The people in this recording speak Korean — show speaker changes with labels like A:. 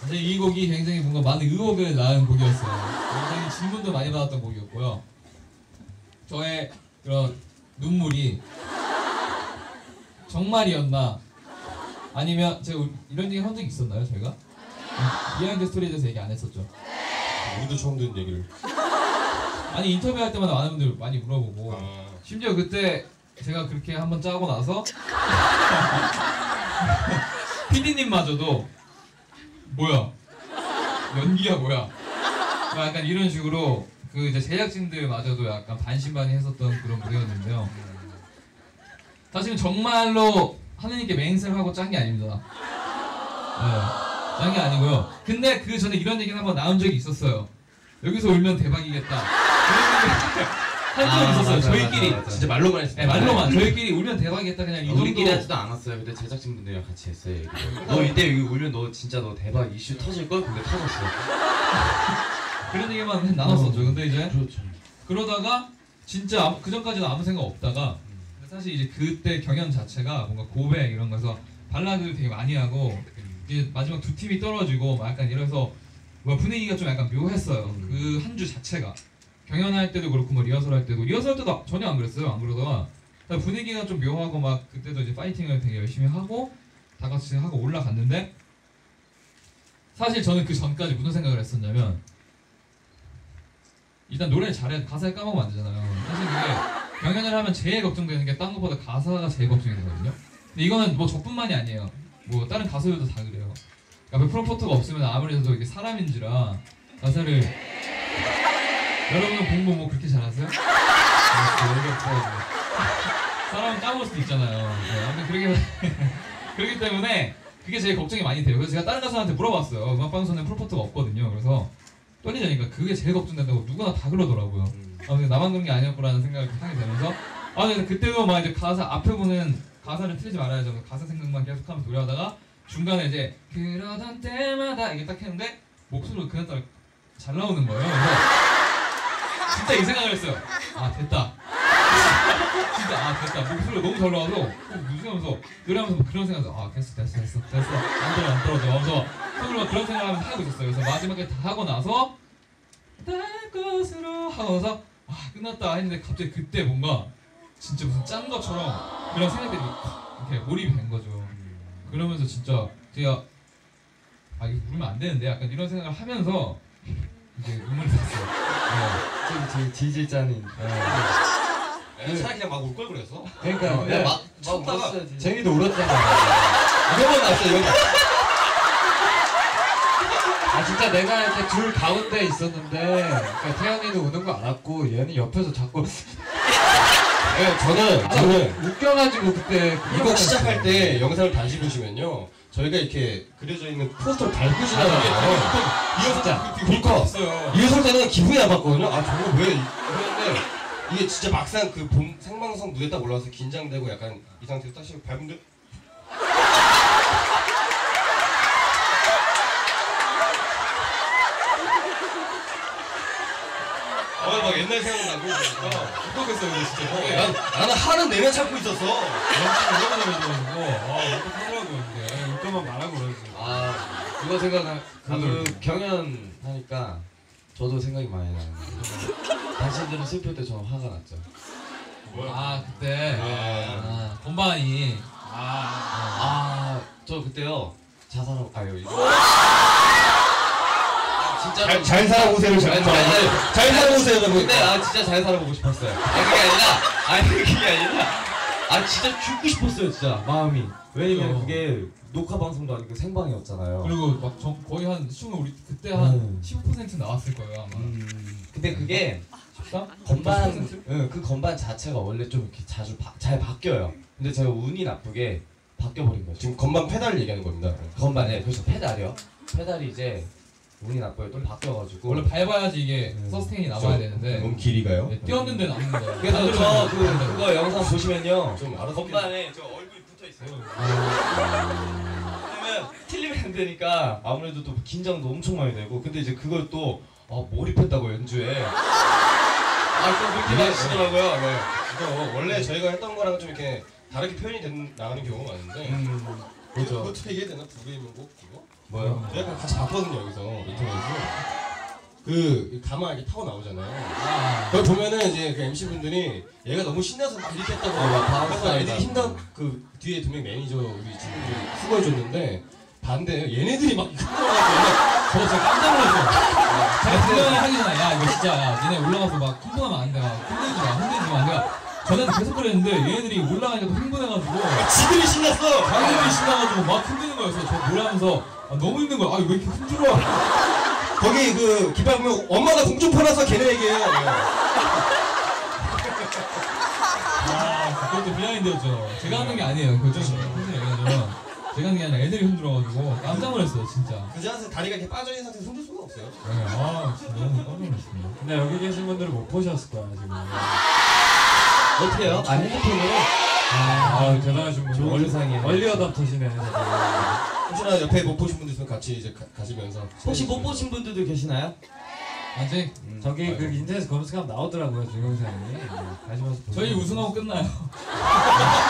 A: 사실 이 곡이 굉장히 뭔가 많은 의혹을 낳은 곡이었어요. 굉장히 질문도 많이 받았던 곡이었고요. 저의 그런 눈물이 정말이었나? 아니면 제가 이런 얘기 한 적 있었나요, 저희가? 비하인드 스토리에 대해서 얘기 안 했었죠.
B: 우리도 처음 듣는 얘기를.
A: 아니 인터뷰할 때마다 많은 분들 많이 물어보고 심지어 그때 제가 그렇게 한번 짜고 나서 PD님마저도 뭐야 연기야 뭐야 약간 이런 식으로 그 이제 제작진들마저도 약간 반신반의했었던 그런 무대였는데요. 사실은 정말로 하느님께 맹세를 하고 짠 게 아닙니다. 네, 짠 게 아니고요. 근데 그 전에 이런 얘기는 한번 나온 적이 있었어요. 여기서 울면 대박이겠다. 한 적이 있었어요. 저희끼리.
B: 맞아. 진짜 말로만 했어요.
A: 네, 말로만. 저희끼리 울면 대박이겠다. 그냥 이 정도.
C: 우리끼리 하지도 않았어요. 근데 제작진분들이랑 같이 했어요. 너 이때 여기 울면 너 진짜 너 대박 이슈 터질걸? 근데 터졌어.
A: 그런 얘기만 나눴었죠. 근데 이제
C: 그렇죠.
A: 그러다가 진짜 그 전까지는 아무 생각 없다가 근데 사실 이제 그때 경연 자체가 뭔가 고백 이런 거서 발라드를 되게 많이 하고 이제 마지막 두 팀이 떨어지고 막 약간 이래서 뭐 분위기가 좀 약간 묘했어요. 그 한 주 자체가 경연할 때도 그렇고 뭐 리허설 때도 전혀 안 그랬어요. 안 그러다가 분위기가 좀 묘하고 막 그때도 이제 파이팅을 되게 열심히 하고 다 같이 하고 올라갔는데 사실 저는 그 전까지 무슨 생각을 했었냐면 일단 노래를 잘해 가사를 까먹으면 안 되잖아요. 사실 그게 경연을 하면 제일 걱정되는 게 딴 것보다 가사가 제일 걱정이 되거든요. 근데 이거는 뭐 저뿐만이 아니에요. 뭐 다른 가수들도 다 그래요. 그러니까 프롬포트가 없으면 아무래도 이게 사람인지라 가사를 여러분은 공부 뭐 그렇게 잘하세요? 사람은 까먹을 수도 있잖아요. 네, 아무튼 그렇기 때문에 그게 제일 걱정이 많이 돼요. 그래서 제가 다른 가수한테 물어봤어요. 음악방송에 프롬포트가 없거든요. 그래서 떨리자니까 그게 제일 걱정된다고 누구나 다 그러더라고요. 아무튼 나만 그런 게 아니었구라는 생각이 하게 되면서 근데 그때도 막 이제 가사 앞에 보는 가사를 틀리지 말아야죠. 가사 생각만 계속하면서 노래하다가 중간에 이제 그러던 때마다 이게 딱 했는데 목소리가 그날따라 잘 나오는 거예요. 그래서 진짜 이 생각을 했어요. 아 됐다. 진짜 됐다. 목소리가 너무 잘 나와서 무슨 하면서 노래하면서 그런 생각을 아 됐어 안 떨어져 하면서 속으로 막 그런 생각을 하면서 하고 있었어요. 그래서 마지막에 다 하고 나서 날 것으로 하고서 끝났다 했는데 갑자기 그때 뭔가 진짜 무슨 짠 것처럼 그런 생각들이 이렇게 몰입이 된 거죠. 그러면서 진짜 제가 이거 울면 안 되는데 약간 이런 생각을 하면서 이제 눈물이 났어요.
C: 좀 질질 짜는.
B: 차라리 그냥 막 울 걸 그랬어.
C: 그러니까
B: 막
C: 울었어야지. 쟁이도 울었잖아.
B: 이거만 났어 이거.
D: 진짜 내가 이렇게 둘 가운데 있었는데 그러니까 태연이는 우는 거 알았고 얘는 옆에서 자꾸
B: 네, 저는
D: 웃겨가지고 그때
B: 이거 시작할 때 영상을 다시 보시면요. 저희가 이렇게 그려져 있는 포스터를 달고 지나가요.
D: 진짜
B: 리허설 때는 기분이 나빴거든요. 저거 왜 이랬는데 이게 진짜 막상 그 생방송 무대 딱 올라와서 긴장되고 약간 이 상태로 딱 밟은데 막 옛날 생각나고 그러니까
A: 어떡했어요 이거 진짜.
B: 나는 하는 내내 찾고 있었어.
A: 어떡하더라고요 이게. 웃겨만 말하고 그러지.
C: 그거 생각나. 그 경연 하니까 저도 생각이 많이 나요. 당신들은 슬플 때 저는 화가 났죠.
A: 그때 건반이
C: 저 그때요 자살하고
B: 진짜 잘 살아보세요. 잘 살아보세요.
C: 근데 진짜 잘 살아보고 싶었어요. 그게 아니라 진짜 죽고 싶었어요. 진짜 마음이. 왜냐면 그게 녹화 방송도 아니고 생방이었잖아요.
A: 그리고 막 거의 한 춤을 우리 그때 한 15% 나왔을 거예요 아마.
C: 근데 그게
A: 14?
C: 건반 그 건반 자체가 원래 좀 이렇게 자주 잘 바뀌어요. 근데 제가 운이 나쁘게 바뀌어버린 거죠.
B: 지금 건반 페달 얘기하는 겁니다.
C: 건반에 그래서 페달이요. 페달이 이제 운이 나빠요. 좀 바뀌어가지고
A: 원래 밟아야지 이게 서스테인이 남아야 되는데
B: 몸 길이가요?
A: 뛰었는데 남는 거예요.
C: 그래서 그거 영상 보시면요.
B: 좀 알아서
C: 건반에 저 얼굴이 붙어 있어요. 왜냐면 틀리면 안 되니까 아무래도 또 긴장도 엄청 많이 되고 근데 이제 그걸 또 몰입했다고 연주에 또 그렇게 하시더라고요. 네.
B: 이거 원래 저희가 했던 거랑 좀 이렇게 다르게 표현이 나가는 경우가 많은데
C: 그렇죠.
B: 어떻게 얘기해야 되나? 부르이명곡 그거?
C: 뭐요?
B: 내가 같이 봤거든요 여기서 인터넷에서. 그 가마 이렇게 타고 나오잖아요. 그걸 보면은 이제 그 MC 분들이 얘가 너무 신나서 막 이렇게 했다고 그래서 애들이 힘든 그 뒤에 두 명 매니저 우리 친구들이 수고해줬는데 반대예요. 얘네들이 막
A: 저 진짜 깜짝 놀랐어요. 제가 분명히 하기 전에 야 이거 진짜 야 니네 올라가서 막 흥분하면 안 돼. 막 흔들지 마. 내가 전에도 계속 그랬는데 얘네들이 올라가니까 또 흥분해가지고
B: 지들이 신났어.
A: 자기들이 신나가지고 막 흔드는 거였어. 저 놀라면서 아, 너무 힘든 거야. 아 왜 이렇게 힘들어?
B: 거기 그 기발 보면 엄마가 공 좀 팔아서 걔네 얘기해요.
A: 아 그것도 비하인드였죠. 제가 하는 게 아니에요. 그거 좀 흔들어 얘기하자면 제가 하는 게 아니라 애들이 흔들어가지고 깜짝 놀랐어요 진짜.
B: 그 자세 다리가 이렇게 빠져 있는 상태에서 흔들 수가 없어요.
A: 네, 아 진짜 너무 깜짝 놀랐습니다.
D: 근데 여기 계신 분들은 못 보셨을 거야 지금.
C: 어떻게 해요? 아 핸드폰으로?
D: 아 대단하신 분.
C: 좋은 세상이에요.
D: 얼리 어답터시네.
B: 혹시나 옆에 못 보신 분들 있으면 같이 이제 가시면서
C: 혹시 못 보신 분들도 계시나요?
A: 아직
D: 저기 그 인터넷 검색하면 나오더라고요 동영상이. 가시면서
A: 저희
D: 보세요.
A: 우승하고 끝나요.